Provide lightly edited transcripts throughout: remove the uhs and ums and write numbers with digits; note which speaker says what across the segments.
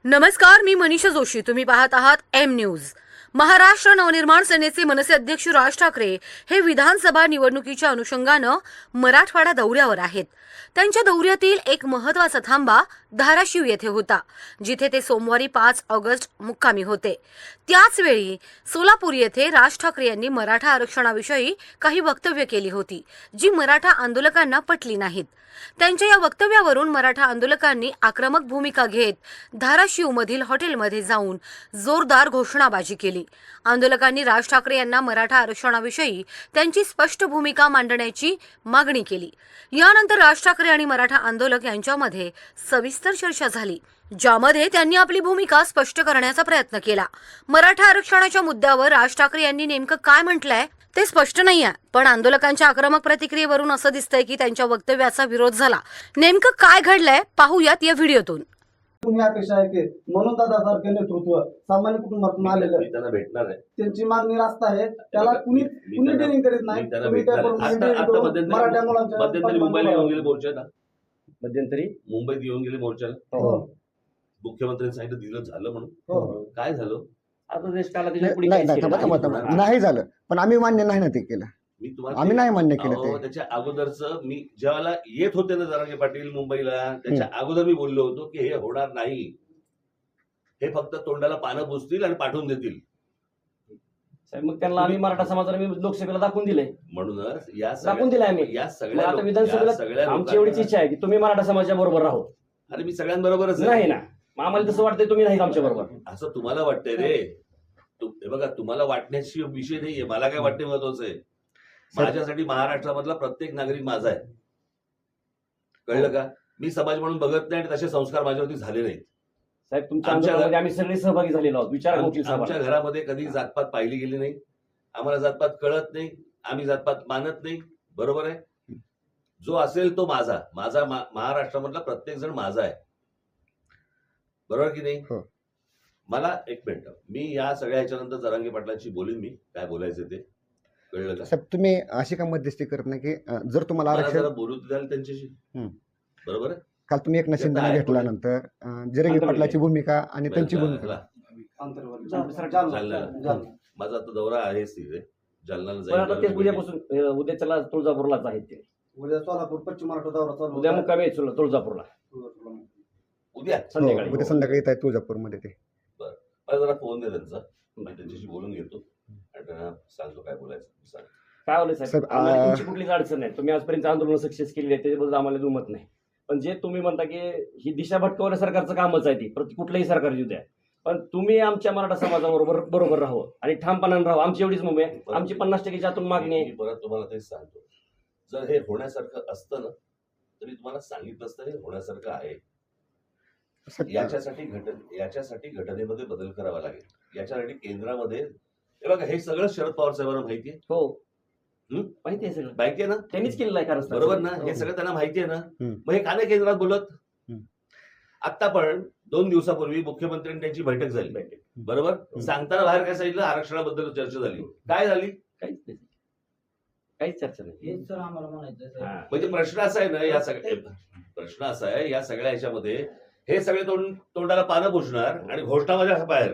Speaker 1: नमस्कार, मी मनीषा जोशी. तुम्ही पाहत आहात एम न्यूज. महाराष्ट्र नवनिर्माण सेनेचे मनसे अध्यक्ष राज ठाकरे हे विधानसभा निवडणुकीच्या अनुषंगानं मराठवाडा दौऱ्यावर आहेत. त्यांच्या दौऱ्यातील एक महत्त्वाचा थांबा धाराशिव येथे होता, जिथे ते सोमवारी 5 ऑगस्ट मुक्कामी होते. त्याचवेळी सोलापूर येथे राज ठाकरे यांनी मराठा आरक्षणाविषयी काही वक्तव्य केली होती, जी मराठा आंदोलकांना पटली नाहीत. त्यांच्या या वक्तव्यावरून मराठा आंदोलकांनी आक्रमक भूमिका घेत धाराशिवमधील हॉटेलमध्ये जाऊन जोरदार घोषणाबाजी केली. आंदोलकांनी राज ठाकरे यांना मराठा आरक्षणाविषयी त्यांची स्पष्ट भूमिका मांडण्याची मागणी केली. यानंतर राज ठाकरे आणि मराठा आंदोलक यांच्यामध्ये सविस्तर चर्चा झाली, ज्यामध्ये त्यांनी आपली भूमिका स्पष्ट करण्याचा प्रयत्न केला. मराठा आरक्षणाच्या मुद्द्यावर राज ठाकरे यांनी नेमकं काय म्हटलंय ते स्पष्ट नाहीये, पण आंदोलकांच्या आक्रमक प्रतिक्रियेवरून असं दिसतंय की त्यांच्या वक्तव्याचा विरोध झाला. नेमकं काय घडलंय पाहूयात या व्हिडिओतून.
Speaker 2: तुम्ही अपेक्षा आहे की म्हणून दादासारखे नेतृत्व सामान्य कुटुंबातून आलेलं
Speaker 3: त्यांना भेटणार आहे.
Speaker 2: त्यांची मागणी रास्त आहे. त्याला कुणी ट्रेनिंग करीत नाही.
Speaker 3: मध्यंतरी मुंबईला येऊन गेले मोर्चाला. मध्यंतरी मुंबईत येऊन गेले मोर्चाला. मुख्यमंत्र्यांनी सांगितलं दिलं झालं म्हणून. काय झालं? आता देश काला
Speaker 4: नाही झालं, पण आम्ही मान्य नाही ना ते केलं.
Speaker 3: मी तुम्हाला
Speaker 4: आम्ही नाही मान्य केलं ते.
Speaker 3: त्याच्या अगोदरच मी जेव्हा येत होते ना जरांगे पाटील मुंबईला, त्याच्या अगोदर मी बोललो होतो की हे होणार नाही, हे फक्त तोंडाला पानं पुसतील आणि पाठवून देतील.
Speaker 5: मग त्यांना आम्ही मराठा समाजाला मी लोकसभेला दाखवून दिले.
Speaker 3: म्हणूनच या
Speaker 5: दाखवून दिले आम्ही.
Speaker 3: या
Speaker 5: आता
Speaker 3: सगळ्या
Speaker 5: विधानसभेला आमची एवढीच इच्छा आहे की तुम्ही मराठा समाजाच्या बरोबर राहो.
Speaker 3: अरे मी सगळ्यांबरोबरच
Speaker 5: नाही ना, आम्हाला तसं वाटतंय तुम्ही नाही आमच्या बरोबर.
Speaker 3: असं तुम्हाला वाटतंय रे. हे बघा, तुम्हाला वाटण्याची विषय नाहीये. मला काय वाटणे महत्वाचं आहे. माझ्यासाठी महाराष्ट्रामधला प्रत्येक नागरिक माझा आहे. कळलं का? मी समाज म्हणून बघत नाही आणि तसे संस्कार माझ्यावरती झाले नाहीत.
Speaker 5: साहेब तुमच्या आंदोलनामध्ये आम्ही सगळे सहभागी झालेलो आहोत. विचार
Speaker 3: आमच्या घरामध्ये कधी जातपात पाहिली गेली नाही. आम्हाला जातपात कळत नाही. आम्ही जातपात मानत नाही. बरोबर आहे. जो असेल तो माझा. माझा महाराष्ट्रामधला प्रत्येक जण माझा आहे. बरोबर की नाही? मला एक मिनिट, मी या सगळ्या ह्याच्यानंतर जरांगे पाटलांशी बोलीन. मी काय बोलायचं ते कळलं का?
Speaker 4: साहेब तुम्ही अशी का मध्यस्थी करत नाही की जर तुम्हाला आरक्षण
Speaker 3: बोलू द्याल त्यांच्याशी. बरोबर आहे.
Speaker 4: काल तुम्ही एक शिंदेना घेतल्यानंतर जरंगे पाटलाची भूमिका आणि त्यांची भूमिका
Speaker 3: माझा आता दौरा आहेच तिथे जालन्याला
Speaker 5: जाईल. उद्यापासून उद्याच्याला तुळजापूरलाच आहेत ते.
Speaker 2: उद्या सोलापूर पश्चिम महाराष्ट्र दौरा चालू.
Speaker 5: उद्या मुक्कामी आहे तुळजापूरला.
Speaker 3: उद्या
Speaker 5: संध्याकाळी
Speaker 4: येत आहे तुळजापूरमध्ये. ते
Speaker 3: मला जरा फोन दे त्यांचा, मी त्यांच्याशी बोलून घेतो आणि त्यांना सांगतो काय बोलायचं.
Speaker 5: काय बोलायचं साहेब, तुमची कुठलीच अडचण नाही. तुम्ही आजपर्यंत आंदोलन सक्सेस केली आहे, त्याच्याबद्दल आम्हाला दुमत नाही. पण जे तुम्ही म्हणता की ही दिशा भटकवण्या सरकारचं कामच आहे, ती कुठलंही सरकार येऊ द्या, पण तुम्ही आमच्या मराठा समाजाबरोबर राहू आणि ठामपणाने राहू. आमची एवढीच मुंबई आहे. आमची 50% आतून मागणी आहे.
Speaker 3: परत तुम्हाला तेच सांगतो, जर हे होण्यासारखं असतं ना तरी तुम्हाला सांगितलं असतं हे होण्यासारखं आहे. याच्यासाठी घटनेमध्ये बदल करावा लागेल. याच्यासाठी केंद्रामध्ये हे बघा, हे सगळं शरद पवार साहेबांना माहिती आहे.
Speaker 5: हो माहिती आहे, सगळं
Speaker 3: माहिती आहे ना.
Speaker 5: त्यांनीच केलेलं आहे. कारण
Speaker 3: बरोबर ना, हे सगळं त्यांना माहिती आहे ना. मग हे का नाही केंद्रात बोलत? आता पण 2 दिवसापूर्वी मुख्यमंत्र्यांनी त्यांची बैठक झाली. बरोबर. सांगताना बाहेर काय सांगितलं? आरक्षणाबद्दल चर्चा झाली. काय झाली?
Speaker 5: काहीच चर्चा नाही.
Speaker 2: हेच सर आम्हाला म्हणायचं.
Speaker 3: म्हणजे प्रश्न असा आहे ना, या सगळ्या ह्याच्यामध्ये हे सगळे तोंडाला पानं पुसणार आणि घोषणा माझ्या बाहेर.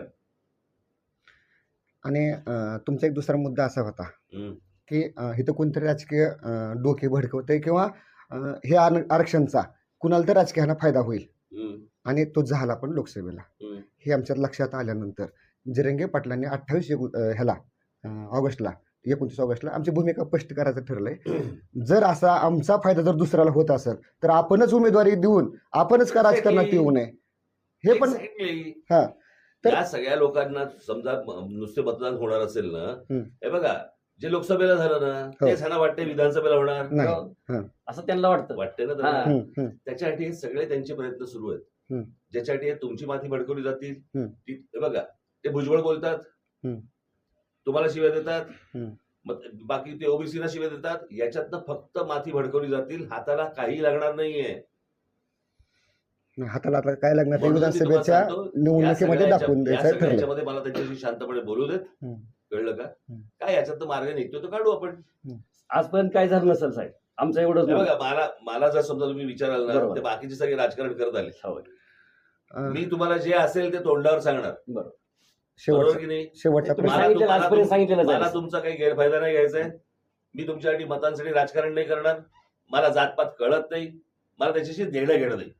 Speaker 4: आणि तुमचा एक दुसरा मुद्दा असा होता की इथं कोणतरी राजकीय डोके भडकवतंय किंवा हे आरक्षणचा कुणाला तर राजकीयाला फायदा होईल, आणि तो झाला पण लोकसभेला. हे आमच्या लक्षात आल्यानंतर जरंगे पाटलांनी 29 ऑगस्टला आमची भूमिका स्पष्ट करायचं ठरलंय. जर असा आमचा फायदा जर दुसऱ्याला होत असेल तर आपणच उमेदवारी देऊन आपणच का राजकारणात येऊ नये, हे पण.
Speaker 3: या सगळ्या लोकांना समजा नुसते मतदान होणार असेल ना, हे बघा जे लोकसभेला झालं ना तेच ह्यांना वाटते विधानसभेला होणार
Speaker 4: नाही,
Speaker 5: असं त्यांना वाटते
Speaker 3: ना. त्याच्यासाठी हे सगळे त्यांचे प्रयत्न सुरू आहेत, ज्याच्यासाठी तुमची माती भडकवली जातील. हे बघा, ते भुजबळ बोलतात, तुम्हाला शिव्या देतात, बाकी ते ओबीसीला शिव्या देतात. याच्यातनं फक्त माती भडकवली जातील. हाताला काही लागणार नाहीये.
Speaker 4: हाताला काय लागणार ते विधानसभेच्या निवडणुकीमध्ये दाखवून द्यायचं ठरलं.
Speaker 3: मला त्यांच्याशी शांतपणे बोलू देत. कळलं का? काय याच्यात मार्ग निघतो तो काढू आपण.
Speaker 5: आजपर्यंत काय झालं नसेल साहेब, आमचं एवढंच.
Speaker 3: बघा, मला जर समजा तुम्ही विचाराल ना, ते बाकीचे सगळे राजकारण करत आले. मी तुम्हाला जे असेल ते तोंडावर सांगणार, बरोबर
Speaker 4: शेवटचा
Speaker 3: की नाही?
Speaker 4: शेवटचा
Speaker 5: तुम्ही
Speaker 4: प्रश्न
Speaker 5: सांगितलेलं
Speaker 3: मला
Speaker 5: आजपर्यंत सांगितलेलं
Speaker 3: मला
Speaker 5: जाईल.
Speaker 3: तुमचा काही गैरफायदा नाही घ्यायचा आहे. मी तुमच्यासाठी मतांसाठी राजकारण नाही करणार. मला जातपात कळत नाही, मला त्याच्याशी देणं घेणं नाही.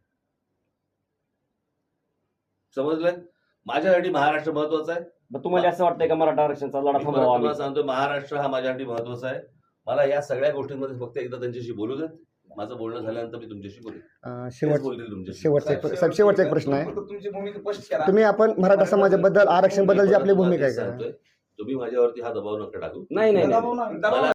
Speaker 3: समजलं? माझ्यासाठी महाराष्ट्र महत्वाचा आहे.
Speaker 5: मग तुम्हाला असं वाटतंय का मराठा आरक्षणाचा लढा
Speaker 3: मी
Speaker 5: थांबवावा आम्ही?
Speaker 3: तुम्हाला सांगतो, महाराष्ट्र हा माझ्यासाठी महत्वाचा आहे. मला या सगळ्या गोष्टींमध्ये फक्त एकदा त्यांच्याशी बोलू देत. माझं बोलणं झाल्यानंतर मी तुमच्याशी बोलेन. तेच बोलतील तुमच्याशी.
Speaker 4: शेवटचा एक प्रश्न आहे.
Speaker 2: तुमची भूमिका स्पष्ट करा.
Speaker 4: तुम्ही आपण मराठा समाजाबद्दल आरक्षण बद्दल जी आपली भूमिका आहे
Speaker 3: तेच
Speaker 4: का?
Speaker 3: सांगतोय. तुम्ही माझ्यावरती हा दबाव नका टाकू.
Speaker 5: नाही नाही नाही.
Speaker 2: दबाव नाही.
Speaker 3: मला